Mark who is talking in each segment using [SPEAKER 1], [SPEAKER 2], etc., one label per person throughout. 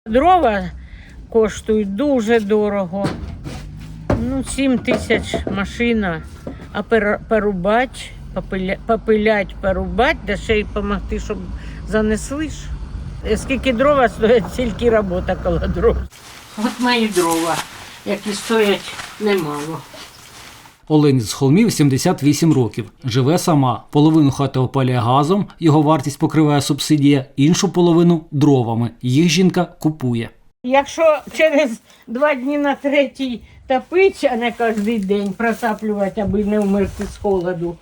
[SPEAKER 1] Дрова коштують дуже дорого. 7 тисяч машина, а порубати, попилять, порубати, да ще й допомогти, щоб занесли ж. Скільки дрова стоять, стільки робота коло дров. От мої дрова, які стоять немало.
[SPEAKER 2] Олені з Холмів 78 років. Живе сама. Половину хати опалює газом, його вартість покриває субсидія, іншу половину – дровами. Їх жінка купує.
[SPEAKER 1] Якщо через 2 дні на 3 топити, а не кожен день протаплювати, аби не вмерти з холоду,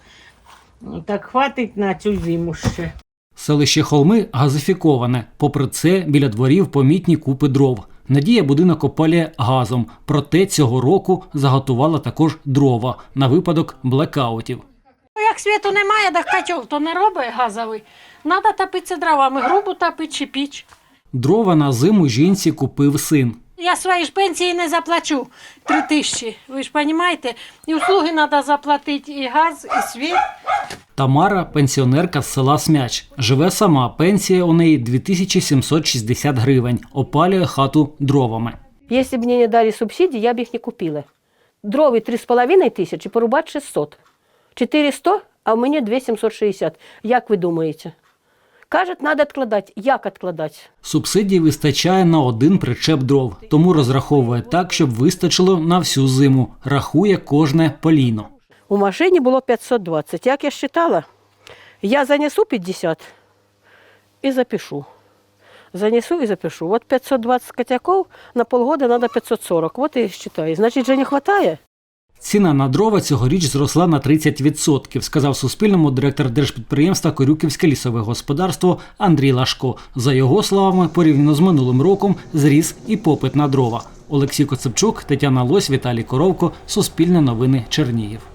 [SPEAKER 1] так хватить на цю зиму ще.
[SPEAKER 2] Селище Холми газифіковане. Попри це, біля дворів помітні купи дров. Надія будинок опалює газом, проте цього року заготувала також дрова на випадок блекаутів.
[SPEAKER 3] Як світу немає, так котел то не робить газовий. Треба топитися дровами, грубу топити чи піч.
[SPEAKER 2] Дрова на зиму жінці купив син.
[SPEAKER 3] Я свої ж пенсії не заплачу 3 тисячі, ви ж розумієте? І услуги треба заплатити, і газ, і світ.
[SPEAKER 2] Тамара – пенсіонерка з села Смяч. Живе сама, пенсія у неї 2760 гривень. Опалює хату дровами.
[SPEAKER 4] Якщо б мені не дали субсидії, я б їх не купила. Дрови 3,5 тисячі, порубати 600. 400, а в мені 2760. Як ви думаєте? Кажуть, треба відкладати. Як відкладати?
[SPEAKER 2] Субсидій вистачає на 1 причеп дров, тому розраховує так, щоб вистачило на всю зиму. Рахує кожне полійно.
[SPEAKER 4] У машині було 520. Як я вважала, я занесу 50 і запишу. Занесу і запишу. От 520 котяків на полгода треба 540. От і вважаю. Значить, вже не вистачає.
[SPEAKER 2] Ціна на дрова цьогоріч зросла на 30%, сказав Суспільному директор держпідприємства «Корюківське лісове господарство» Андрій Лашко. За його словами, порівняно з минулим роком зріс і попит на дрова. Олексій Коцепчук, Тетяна Лось, Віталій Коровко, Суспільне новини, Чернігів.